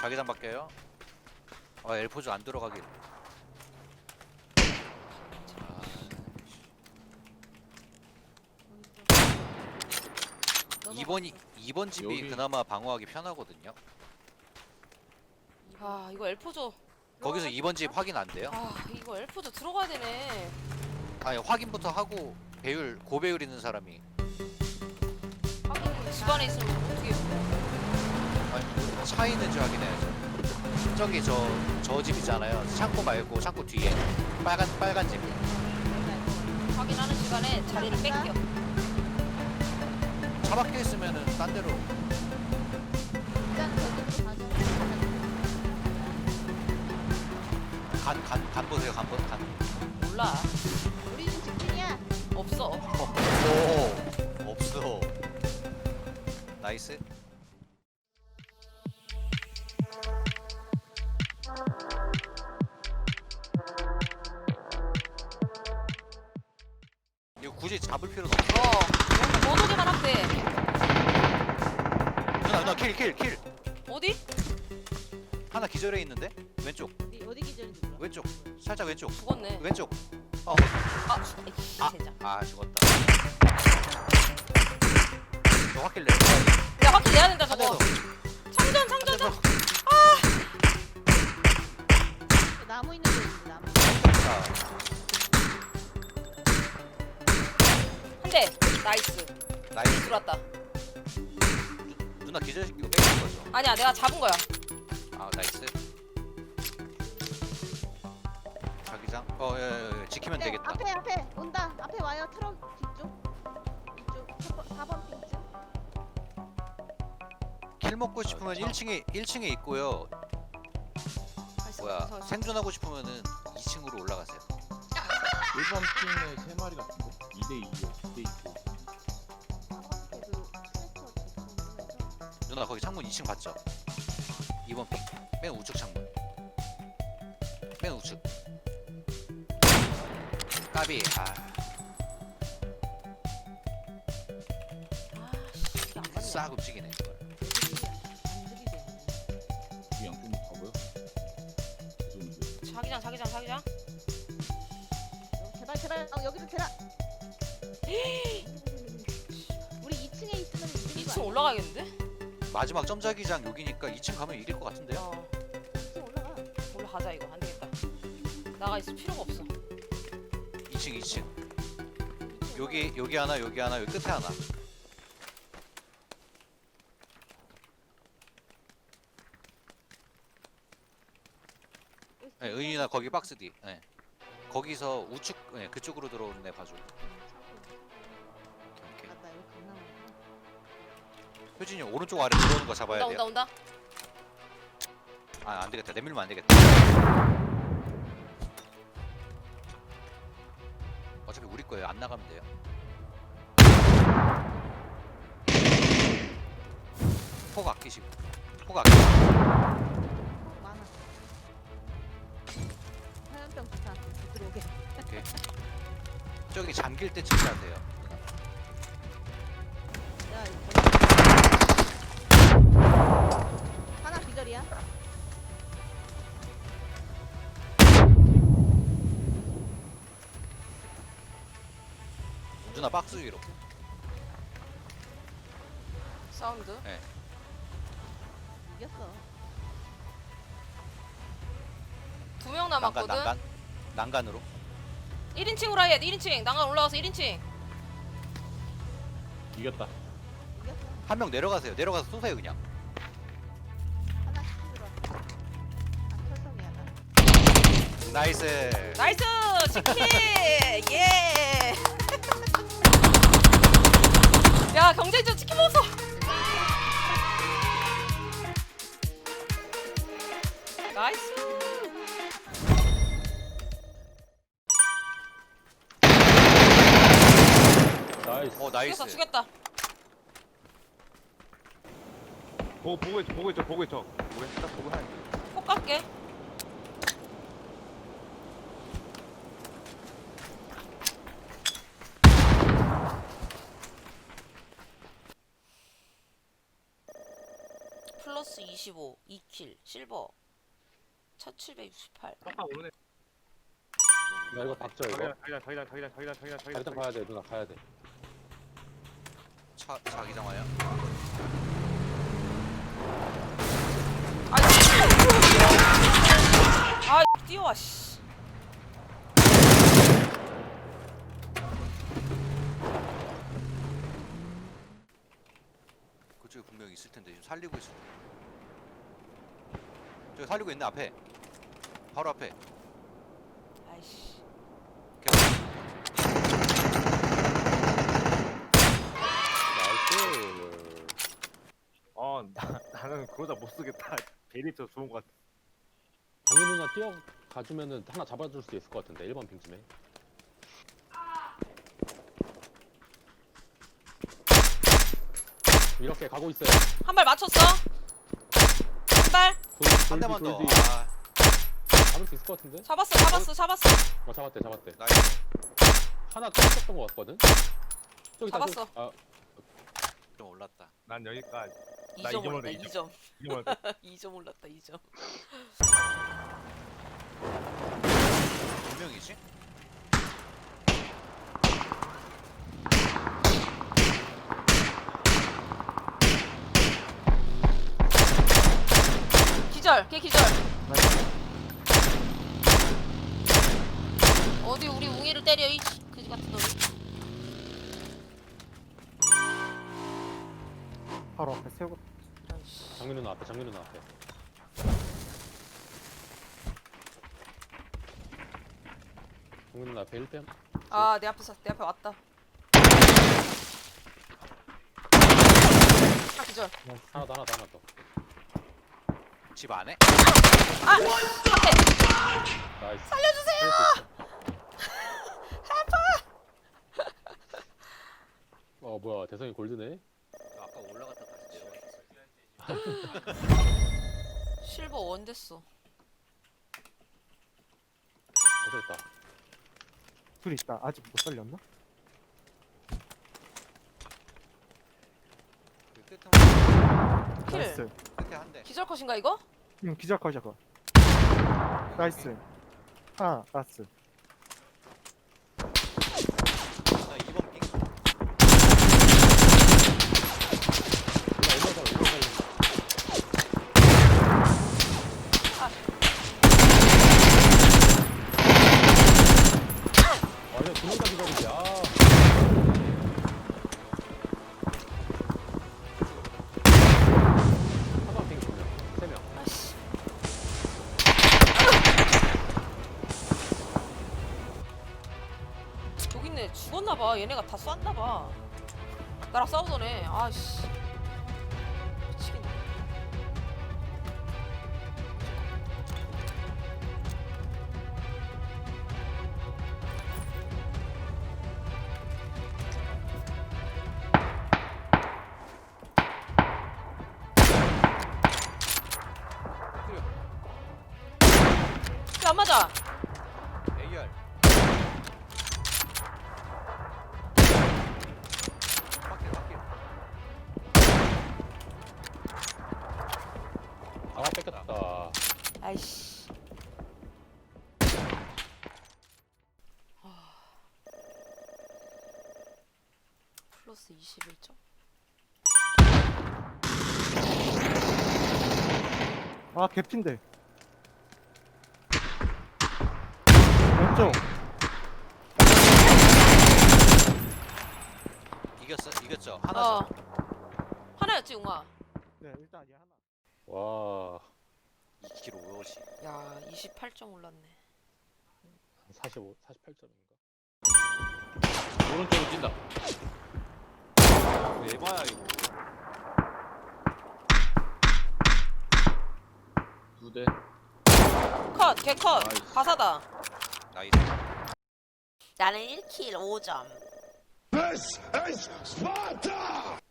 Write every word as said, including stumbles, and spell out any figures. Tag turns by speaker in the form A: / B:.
A: 자기장 바뀌어요. 아 엘포즈 안 들어가길. 이 번이 이 번 집이
B: 여기.
A: 그나마 방어하기 편하거든요.
C: 아 이거 엘포저.
A: 거기서 이 번 집 확인 안 돼요?
C: 아 이거 엘포저 들어가야 되네.
A: 아니 확인부터 하고 배율 고배율 있는 사람이
C: 하긴 집 안에 있으면 어떻게?
A: 아니 차 있는지 확인해야죠. 저기 저 저 집 있잖아요. 창고 말고 창고 뒤에 빨간 빨간 집.
C: 확인하는 시간에 자리를 뺏겨.
A: 차 박혀 있으면은 딴 데로.
D: 일단 저기로 가서
A: 간 간 간 보세요. 간 보. 간.
C: 몰라.
D: 우리는 직진이야.
C: 없어.
A: 오 없어. 나이스. 이거 굳이 잡을 필요도 없어.
C: 어. 못 오기만 하면 돼.
A: 누나 누나 킬 킬 킬.
C: 어디?
A: 하나 기절해 있는데 왼쪽
D: 어디 어디 기절인지 몰라.
A: 왼쪽 살짝 왼쪽
C: 죽었네.
A: 왼쪽. 어.
C: 아, 죽- 에이,
A: 아.
C: 젠장.
A: 아 죽었다. 저 확킬 내.
C: 야 확실 내야 된다
A: 한 대
C: 저거.
A: 더.
C: 창전
A: 한 대
C: 창전.
A: 더.
D: 나무 있는 데 있는데 나무.
A: 자,
C: 한 대. 나이스.
A: 나이스.
C: 들어왔다.
A: 누나 기절시키고 뺏긴 거죠.
C: 아니야 내가 잡은 거야.
A: 아 나이스. 자기장. 어, 예, 예, 예. 지키면
D: 네,
A: 되겠다.
D: 앞에 앞에 온다. 앞에 와요. 트럭 뒤쪽. 이쪽 사 번 핑쯤.
A: 킬 먹고 싶으면
B: 아,
A: 일 층에 일 층에 있고요. 뭐야 생존하고 싶으면은 이 층으로 올라가세요.
B: 일 번 팀에 세 마리 같은데? 이 대 이요. 이 대 이.
D: 사 번 핑에도 트랙터 뒤쪽에서
A: 누나 거기 창문 이 층 봤죠? 이 번 핑. 맨 우측 창문. 맨 우측. 까비. 아,
C: 아씨 이게 안 맞네.
A: 싹 움직이네. 이걸.
D: 안 들이대.
B: 이 양쪽 가고요. 죄송해요.
C: 자기장 자기장 자기장.
D: 제발 제발. 어, 여기도 대라. 우리 이 층에 있으면 이기는
C: 이
D: 거
C: 층
D: 아니야?
C: 올라가야겠는데?
A: 마지막 점자기장 여기니까 이 층 가면 이길 것 같은데요?
C: 어.
D: 이 층 올라가.
C: 올라가자 이거 안 되겠다. 나가 있을 필요가 없어.
A: 이 층 이 층.
D: 이 층
A: 여기 여기 하나 여기 하나 여기 끝에 하나.
D: 올라가.
A: 네, 은이나 거기 박스 뒤. 네. 거기서 우측 네, 그쪽으로 들어오는 애 봐줘. 오케이.
D: 맞다. 여기 강남.
A: 효진이 오른쪽 아래 들어오는 거 잡아야
C: 온다
A: 돼요.
C: 온다 온다.
A: 아, 안 되겠다. 내밀면 안 되겠다. 어차피 우리 거예요. 안 나가면 돼요. 폭 아끼시고. 폭 아끼시고.
D: 많아. 화염병 좋다. 들어오게.
A: 오케이. 저기 잠길 때 치셔야 돼요.
D: 야, 이거 하나 기절이야.
A: 누나 박스 위로.
C: 사운드.
D: 이겼어.
C: 두 명
A: 난간
C: 남았거든.
A: 난간. 난간으로.
C: 일 인칭으로 해. 일 인칭. 난간 올라와서 일 인칭.
B: 이겼다.
D: 이겼어.
A: 한 명 내려가세요. 내려가서 쏘세요 그냥.
D: 하나씩 들어. 아, 철성이야 나.
A: 나이스.
C: 나이스 치킨. 예. 야 경쟁전 치킨 먹었어. 나이스.
B: 나이스.
A: 어 나이스.
C: 죽였다 죽였다.
E: 보고 보고 있죠 보고 있죠 보고 있죠 보고 있다 보고 하는
C: 꼭 갈게. 플러스 이십. 이십오, 이 킬, 실버 천칠백육십팔.
E: 빡빡 오르네.
B: 나 이거 박자 이거.
E: 자기장 자기장 자기장 자기장 자기장 자기장
B: 일단 가야 돼 누나 가야 돼.
A: 차 자기장 와요.
C: 아, 뛰어와 씨.
A: 그쪽에 분명히 있을 텐데 지금 살리고 있어. 저기 살리고 있네 앞에. 바로 앞에.
C: 아이씨.
B: 나이스.
E: 어, 나, 나는 그러다 못 쓰겠다. 베리터 좋은 것 같아.
B: 장미 누나 뛰어 가주면은 하나 잡아줄 수 있을 것 같은데 일 번 핑쯤에. 이렇게 가고 있어요.
C: 한 발 맞췄어. 한 발.
B: 돌,
A: 한 대만 더.
B: 돌 뒤.
A: 아,
B: 잡을 수 있을 것 같은데?
C: 잡았어, 잡았어, 잡았어.
B: 어 잡았대 잡았대.
A: 나이스.
B: 하나 떨어졌던 것 같거든? 저기 있다,
C: 잡았어.
B: 저기. 아
A: 좀 올랐다.
E: 난 여기까지.
C: 이
E: 나
C: 점
E: 이 점으로
C: 올랐다,
E: 돼,
C: 이
E: 이
C: 점.
E: 이걸
C: 이 점 올랐다, 이 점.
A: 몇 명이지?
C: 기절, 걔 기절. 어디 우리 웅이를 때려 이 그지 같은 놈이.
F: 바로 앞에 세우고
C: 아이씨.
B: 장미 누나 앞에 장미 누나 앞에. 장미 누나 앞에 일 대.
C: 아, 내 앞에서 내 앞에 왔다. 아, 기절.
B: 하나 더 하나 더 하나 더.
A: 집 안에?
C: 아, 앞에.
B: 나이스.
C: 살려주세요.
B: 어 뭐야 대성이 골드네.
A: 아까 올라갔다 다시 내려갔었어.
C: 실버 원 됐어.
B: 잘했다.
F: 둘 있다. 아직 못 살렸나?
A: 그 끝에 한,
C: 킬.
F: 나이스.
A: 끝에 한 대.
C: 기절 컷인가 이거?
F: 응, 기절 컷이야 그거. 나이스. 하나 나이스.
A: 나 이 번 핑.
B: 누나 일번 살려 일번 살려. 아 이거 두명 다 기다리지. 아. 한번 핑 두 명. 세 명.
C: 아씨. 여기 있네. 죽었나봐. 얘네가 다 쐈나봐. 나랑 싸우던 애. 아씨. 미치겠네. 야, 안 맞아.
A: 에이알. 밖에 밖에.
B: 아 뺏겼다.
C: 아이씨. 아. 플러스 이십일 점.
F: 아 개핀데. 왼쪽.
A: 이겼어 이겼죠. 하나
C: 어.
A: 더.
C: 하나였지, 웅아.
F: 네 일단 얘 하나.
B: 와
A: 이 킬 오로지.
C: 야, 이십팔 점 올랐네.
B: 사십오, 사십팔 점인가? 오른쪽으로 뛴다.
A: 에바야 이거.
B: 두 대.
C: 컷, 개 컷.
B: 나이스.
C: 가사다.
A: 나이스.
C: 나는 일 킬 오 점.
G: This is Sparta!